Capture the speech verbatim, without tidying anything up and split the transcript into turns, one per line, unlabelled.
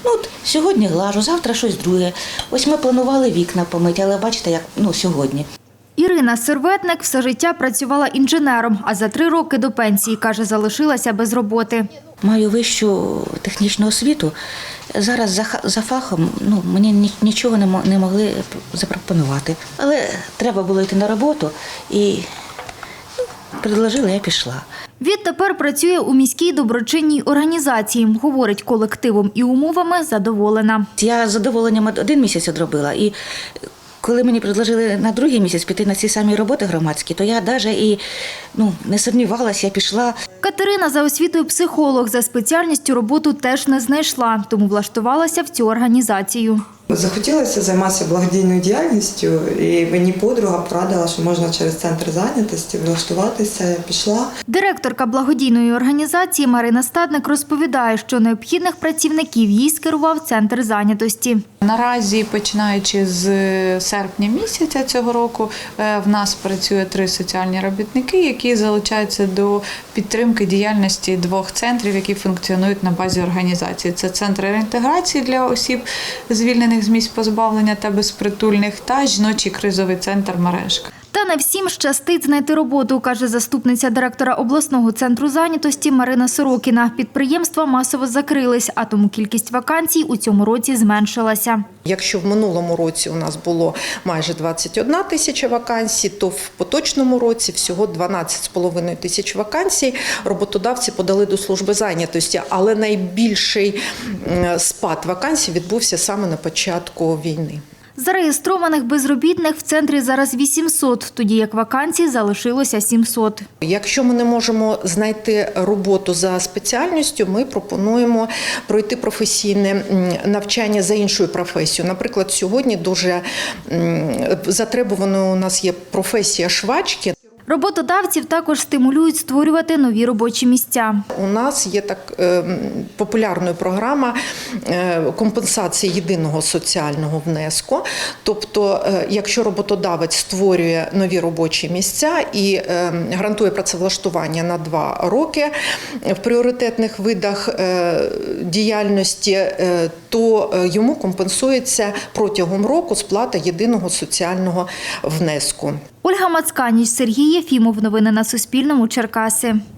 Ну, от сьогодні глажу, завтра щось друге. Ось ми планували вікна помити, але бачите, як ну, сьогодні.
Ірина Серветник все життя працювала інженером, а за три роки до пенсії, каже, залишилася без роботи.
Маю вищу технічну освіту. Зараз за, за фахом ну, мені нічого не могли запропонувати. Але треба було йти на роботу і ну, предложили, я пішла.
Відтепер працює у міській доброчинній організації. Говорить, колективом і умовами задоволена.
Я з задоволенням один місяць одробила. І коли мені предложили на другий місяць піти на ці самі роботи громадські, то я навіть і ну, не сумнівалася, я пішла.
Катерина за освітою психолог, за спеціальністю роботу теж не знайшла, тому влаштувалася в цю організацію.
Захотілося займатися благодійною діяльністю, і мені подруга порадила, що можна через центр зайнятості влаштуватися. Я пішла.
Директорка благодійної організації Марина Стадник розповідає, що необхідних працівників їй скерував центр зайнятості.
Наразі, починаючи з серпня місяця цього року, в нас працює три соціальні робітники, які залучаються до підтримки діяльності двох центрів, які функціонують на базі організації. Це центр реінтеграції для осіб, звільнених з місць позбавлення та безпритульних, та жіночий кризовий центр «Мережка».
Та не всім щастить знайти роботу, каже заступниця директора обласного центру зайнятості Марина Сорокіна. Підприємства масово закрились, а тому кількість вакансій у цьому році зменшилася.
Якщо в минулому році у нас було майже двадцять одна тисяча вакансій, то в поточному році всього дванадцять з половиною тисяч вакансій роботодавці подали до служби зайнятості. Але найбільший спад вакансій відбувся саме на початку війни.
Зареєстрованих безробітних в центрі зараз вісімсот, тоді як вакансій залишилося сімсот.
Якщо ми не можемо знайти роботу за спеціальністю, ми пропонуємо пройти професійне навчання за іншою професією. Наприклад, сьогодні дуже затребуваною у нас є професія швачки.
Роботодавців також стимулюють створювати нові робочі місця.
У нас є так е, популярною програма е, компенсації єдиного соціального внеску. Тобто, е, якщо роботодавець створює нові робочі місця і е, гарантує працевлаштування на два роки в пріоритетних видах е, діяльності, е, то йому компенсується протягом року сплата єдиного соціального внеску.
Ольга Мацканіч, Сергій Єфімов. Новини на Суспільному. Черкаси.